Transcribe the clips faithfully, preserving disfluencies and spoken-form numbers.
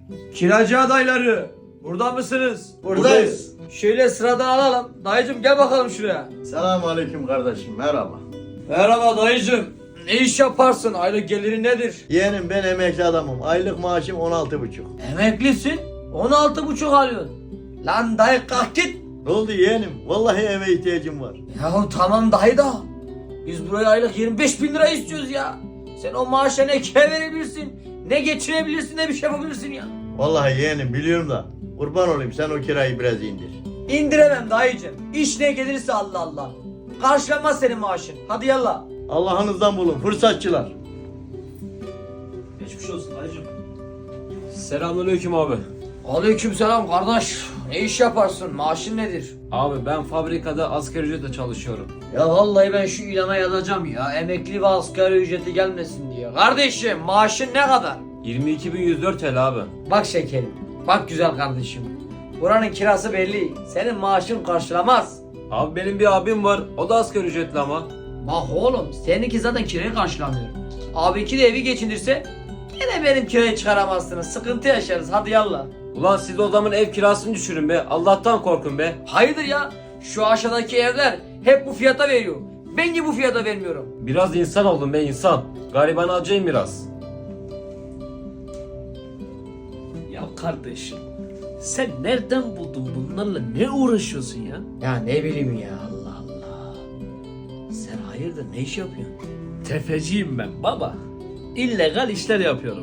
Kiracı adayları, burada mısınız? Buradayız. Şöyle sıradan alalım. Dayıcım gel bakalım şuraya. Selamünaleyküm kardeşim, merhaba. Merhaba dayıcım. Ne iş yaparsın? Aylık geliri nedir? Yeğenim ben emekli adamım. Aylık maaşım on altı buçuk. Emeklisin. on altı buçuk alıyorsun. Lan dayı kalk git. Ne oldu yeğenim? Vallahi eve ihtiyacım var. Yahu tamam dayı da. Biz buraya aylık yirmi beş bin lira istiyoruz ya. Sen o maaşa ne kire verebilirsin, ne geçirebilirsin, ne bir şey yapabilirsin ya. Vallahi yeğenim biliyorum da. Kurban olayım sen o kirayı biraz indir. İndiremem dayıcım. İş ne gelirse Allah Allah. Karşılamaz senin maaşın. Hadi yallah. Allah'ınızdan bulun fırsatçılar. Geçmiş olsun dayıcım. Selamünaleyküm abi. Aleykümselam kardeş. Ne iş yaparsın? Maaşın nedir? Abi ben fabrikada asgari ücretle çalışıyorum. Ya vallahi ben şu ilana yazacağım ya. Emekli ve asgari ücreti gelmesin diye. Kardeşim maaşın ne kadar? yirmi iki bin yüz dört T L abi. Bak şekerim. Bak güzel kardeşim. Buranın kirası belli. Senin maaşın karşılamaz. Abi benim bir abim var. O da asgari ücretli ama. Bak oğlum seninki zaten kirayı karşılamıyor. Abi iki de evi geçindirse yine benim kirayı çıkaramazsınız. Sıkıntı yaşarız. Hadi yallah. Ulan siz o zaman ev kirasını düşürün be. Allah'tan korkun be. Hayırdır ya? Şu aşağıdaki evler hep bu fiyata veriyor. Ben niye bu fiyata vermiyorum? Biraz insan oldun be insan. Gariban acıyım biraz. Ya kardeşim, sen nereden buldun bunlarla, ne uğraşıyorsun ya? Ya ne bileyim ya Allah Allah. Sen hayırdır ne iş yapıyorsun? Tefeciyim ben baba. İllegal işler yapıyorum.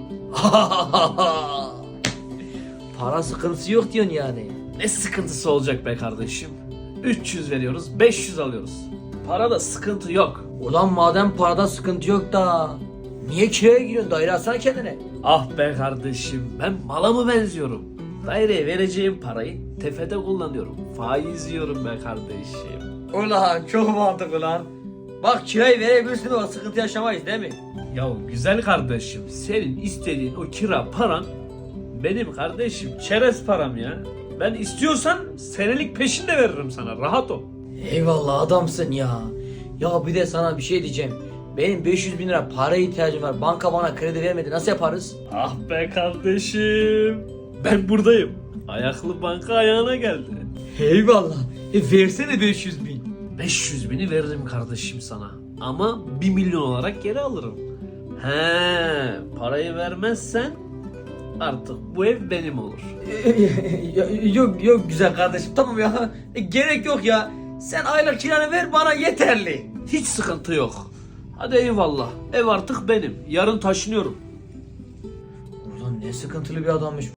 Para sıkıntısı yok diyorsun yani. Ne sıkıntısı olacak be kardeşim? üç yüz veriyoruz, beş yüz alıyoruz. Parada sıkıntı yok. Ulan madem parada sıkıntı yok da niye kiraya giriyorsun? Daire alsana kendine. Ah be kardeşim, ben mala mı benziyorum? Daireye vereceğim parayı tefede kullanıyorum. Faiz yiyorum be kardeşim. Ulan çok mantıklı lan. Bak kirayı verebilirsin ama sıkıntı yaşamayız değil mi? Ya güzel kardeşim, senin istediğin o kira paran benim kardeşim çerez param ya. Ben istiyorsan senelik peşin de veririm sana, rahat ol. Eyvallah adamsın ya. Ya bir de sana bir şey diyeceğim. Benim beş yüz bin lira paraya ihtiyacım var. Banka bana kredi vermedi. Nasıl yaparız? Ah be kardeşim, ben buradayım. Ayaklı banka ayağına geldi. Eyvallah. E versene beş yüz bin. beş yüz bini veririm kardeşim sana. Ama bir milyon olarak geri alırım. He, parayı vermezsen artık bu ev benim olur. yok yok güzel kardeşim. Tamam ya. E, gerek yok ya. Sen aylık kiranı ver bana yeterli. Hiç sıkıntı yok. Hadi eyvallah. Ev artık benim. Yarın taşınıyorum. Ulan ne sıkıntılı bir adammış.